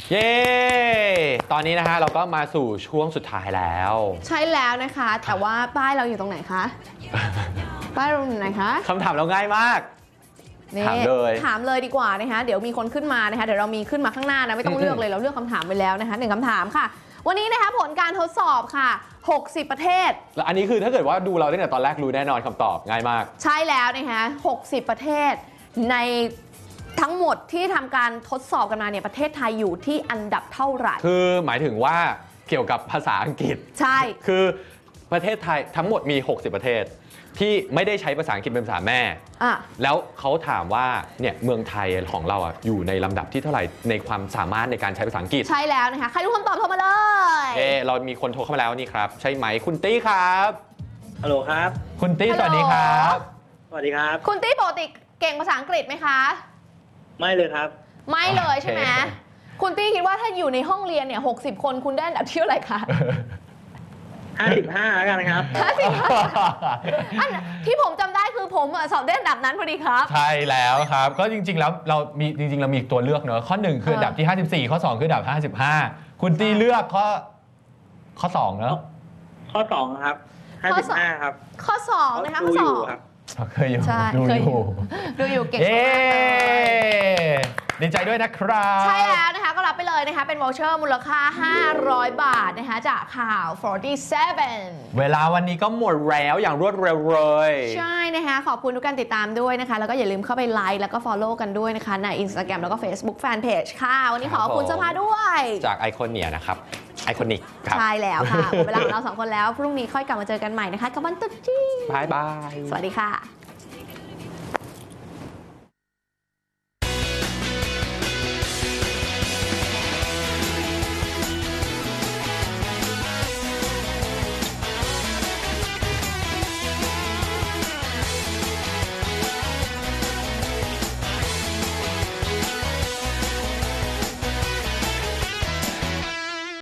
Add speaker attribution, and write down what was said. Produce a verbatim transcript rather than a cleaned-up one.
Speaker 1: เย้ตอนนี้นะฮะเราก็มาสู่ช่วงสุดท้ายแล้ว
Speaker 2: ใช่แล้วนะคะแต่ว่าป้ายเราอยู่ตรงไหนคะ ป้ายเราอยู่ไหนคะ
Speaker 1: คำถามเราง่ายมากถามเลย
Speaker 2: ถามเลยดีกว่านะคะเดี๋ยวมีคนขึ้นมานะคะเดี๋ยวเรามีขึ้นมาข้างหน้านะไม่ต้องเลือกเลยเราเลือกคำถามไปแล้วนะคะหนึ่งคำถามค่ะวันนี้นะคะผลการทดสอบค่ะหกสิบประเทศ
Speaker 1: แล้วอันนี้คือถ้าเกิดว่าดูเราตั้งแต่ตอนแรกรู้แน่นอนคำตอบง่ายมาก
Speaker 2: ใช่แล้วนะคะหกสิบประเทศในทั้งหมดที่ทำการทดสอบกันมาเนี่ยประเทศไทยอยู่ที่อันดับเท่าไหร่
Speaker 1: คือหมายถึงว่าเกี่ยวกับภาษาอังกฤษ
Speaker 2: ใช่
Speaker 1: คือประเทศไทยทั้งหมดมีหกสิบประเทศที่ไม่ได้ใช้ภาษาอังกฤษเป็นภาษาแม่แล้วเขาถามว่าเนี่ยเมืองไทยของเราอ่ะอยู่ในลำดับที่เท่าไหร่ในความสามารถในการใช้ภาษาอังกฤษ
Speaker 2: ใช่แล้วนะคะใครรู้คำตอบโทรมาเลย
Speaker 1: เอเรามีคนโทรเข้ามาแล้วนี่ครับใช่ไหมคุณตี้ครับ
Speaker 3: ฮัลโหลครับ
Speaker 1: คุณตี้สวัสดีครับ
Speaker 3: สวัสดีครับ
Speaker 2: คุณตี้ปกติเก่งภาษาอังกฤษไหมคะ
Speaker 3: ไม่เลยครับ
Speaker 2: ไม่เลยใช่ไหมคุณตี้คิดว่าถ้าอยู่ในห้องเรียนเนี่ยหกสิบคนคุณได้อันดับที่เท่าไหร่คะ
Speaker 3: ห้าสิบห้าแล้วกันครับ
Speaker 2: ห้าสิบห้าอันที่ผมจำได้คือผมสอบได้อันดับนั้นพอดีครับ
Speaker 1: ใช่แล้วครับก็จริงๆแล้วเรามีจริงๆเรามีตัวเลือกเนอะข้อหนึ่งคืออันดับที่ห้าสิบสี่ข้อสองคืออันดับห้าสิบห้าคุณตี้เลือกข้อข้อสองเนอะ
Speaker 3: ข้อสองครับห้าสิบห้าครับ
Speaker 2: ข้อสองนะคะข้อสอง
Speaker 1: เคยอยู่
Speaker 2: ดูอยู่ดูอยู่เก่งมาก
Speaker 1: ดีใจด้วยนะครับ
Speaker 2: ใช่แล้วนะคะก็รับไปเลยนะคะเป็นวอลเชอร์มูลค่าห้าร้อยบาทนะคะจากข่าวสี่สิบเจ็ด
Speaker 1: เวลาวันนี้ก็หมดแล้วอย่างรวดเร็วเลย
Speaker 2: ใช่นะคะขอบคุณทุกการติดตามด้วยนะคะแล้วก็อย่าลืมเข้าไปไลค์แล้วก็ follow กันด้วยนะคะใน Instagram แล้วก็ Facebook Fanpage ค่ะวันนี้ขอบคุณเสื้อผ้าด้วย
Speaker 1: จากไอคอนเนียนะครับไอคอนิก
Speaker 2: ใช่แล้วค่ะเวลาของเราสองคนแล้วพรุ่งนี้ค่อยกลับมาเจอกันใหม่นะคะกับวันตุ๊ดจีน
Speaker 1: บายบาย
Speaker 2: สวัสดีค่ะ